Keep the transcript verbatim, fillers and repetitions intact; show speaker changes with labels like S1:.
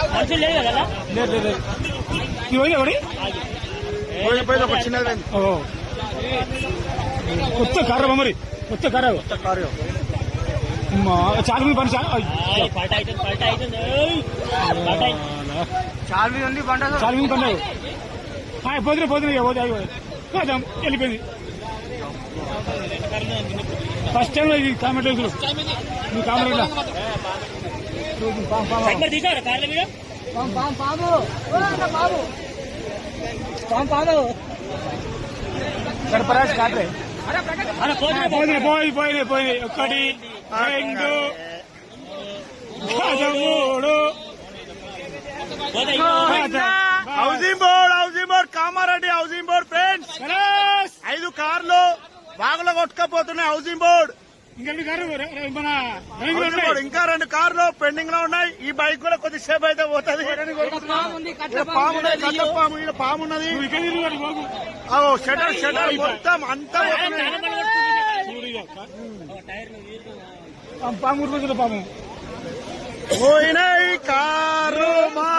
S1: మనుషులు లేదు కదా?
S2: లేదు లేదు లేదు. ఇవి ఎవరి
S3: ఒక చిన్నది
S2: కొత్త కారు మరి కొత్త కారు
S3: కొత్త కారు
S2: చాలా మంది పని చాలా
S3: చాలా ఉంది పంట
S2: చాలా మంది పని పోతున్నా పోతున్నా పోతే పోదాం వెళ్ళిపోయింది. ఫస్ట్ టైం ఇది కామెంట్ మీ కామెంట్ సర్పరాజ్ కాట్రే పోయినాయి పోయి పోయినాయి పోయినాయి ఒక్కటి రెండు మూడు
S3: housing board housing board Kamareddy housing board friends ఐదు కార్లు బాగులో కొట్టుకపోతున్నాయి. హౌసింగ్ బోర్డ్ ఇంకా రెండు కార్లు పెండింగ్ లో ఉన్నాయి. ఈ బైక్ కూడా కొద్దిసేపు అయితే పోతుంది. పాము ఉన్నది పాము ఇక్కడ పాము ఉన్నది. షటర్ షటర్ మొత్తం అంతా
S2: పాము పాము
S3: పోయినాయి కారు మా